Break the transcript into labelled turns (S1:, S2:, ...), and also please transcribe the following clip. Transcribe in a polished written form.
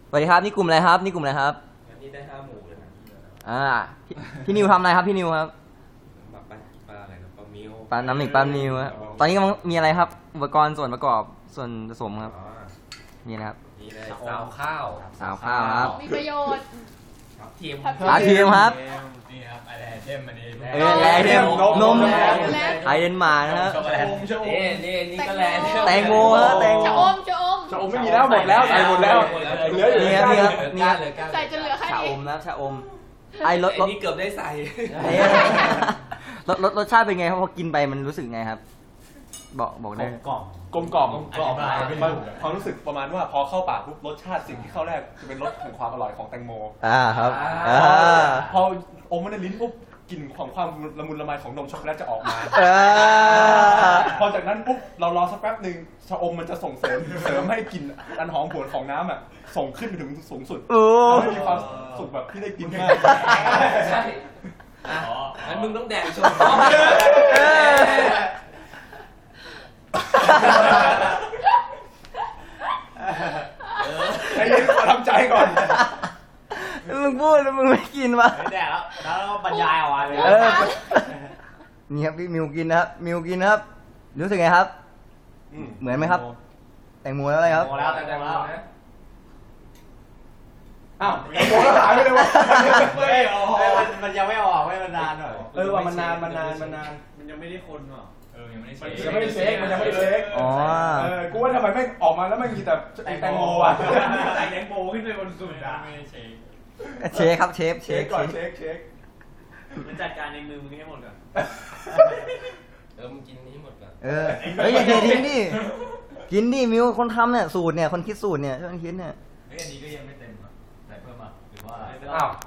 S1: สวัสดีครับนี่กลุ่มอะไรครับนี่กลุ่มอะไรครับ
S2: วันนี้ได้5 หมู่เลยนะ
S1: พี่นิวทำอะไรครับพี่นิวครับ
S2: ปลาอะไรนะปลามิว
S1: ปลาน้ำหนึ่งปลานิวครับตอนนี้กำลังมีอะไรครับอุปกรณ์ส่วนประกอบส่วนผสมครับ
S2: อ๋อ
S1: มีนะครับ
S2: นี่เลยซาวข้าว
S1: สาวข้าวครับ
S3: มีประโยชน์
S2: ครับทีม
S1: อาทีมครับ
S4: นี่ครับอะไรเทมอันนี้
S1: แร่เทมนม
S3: แร่
S1: ไทยเดนมาร์กนะครับ
S4: ช็อกโกแลต
S2: นี่ก็แลนด์
S1: แตงโมครับแตงโม
S3: ชะอม
S5: ชะอมไม่มีแล้วหมดแล้วใส่หมดแล้วเหลืออยู่
S1: นี่ครับนี่ครับนี่ครับ
S2: เลยก้าน
S3: ใส่จนเหลือแค่
S1: ชาอ
S3: นี้
S1: มนะครับชาอมไอ้รส
S2: ไอ้นี่เกือบได้ใส่
S1: รสชาติเป็นไงครับพอกินไปมันรู้สึกไงครับ บอกได้
S4: กล่อง
S5: กลมกล่อม
S4: กล่อม
S5: มันความรู้สึกประมาณว่าพอเข้าปากปุ๊บรสชาติสิ่งที่เข้าแรกจะเป็นรสของความอร่อยของแตงโม
S1: ครับ
S5: พออมมันในลิ้นปุ๊บกลิ่นของความละมุนละไมของนมช็อกโกแลตจะออกมา พอจากนั้นปุ๊บเรารอสักแป๊บหนึ่งชะอมมันจะส่งเสริมให้กลิ่นอันหอมหวนของน้ำอ่ะส่งขึ้นไปถึงสูงสุด
S1: โอ้
S5: ทำให้มีความสุขแบบที่ได้กินมาก
S2: ใช่งั้นมึงต้องแดกชม
S5: ไอ้นี่ขอทำใจก่อน
S1: มึงพูดแล้วมึงไม่กินวะ
S4: ไม่แดกแล้วแล้วบรรยายออกมาเลย
S1: นี่ครับพี่มิวกินนะครับมิวกินนะครับรู้สึกไงครับ เหมือนไหมครับ แตงโมแล้วอะไรครับ
S4: โมแล้วแต่แล้ว
S5: อ้าวแตงโมแล้วหายไปเลยวะ
S4: ไม่ออกมันยังไม่ออกไม่มันนานหน่อย
S5: ว่ามันนาน
S2: มันยังไม่ได้คนหรอ
S4: ยังไม่ได้
S5: มันยังไม่ได้เช็คมันยังไม่ได้เช็ค
S1: อ๋อ
S5: กูว่าทำไมไม่ออกมาแล้วไม่มีแต่แตงโมอ่ะ
S4: ใส่แตงโมขึ้นไปบนสุดอ่ะไม่ได้เช็ค
S1: เชฟครับเชฟ
S5: เช็คก่อนเช็ค
S4: มันจัดการในมือมึงให้หมดก่อน
S2: มึงกินนี้หมดก่อน
S1: เฮ้ยอย่าเททิ้งดิกินดิมิวคนทำเนี่ยสูตรเนี่ยคนคิดสูตรเนี่ยช่วยกันคิดเนี่ย
S4: เฮ้ยอันนี้ก็ยังไม่เต็มอ่ะใส่เพิ่มอ่ะหรือว่า
S5: อ้าว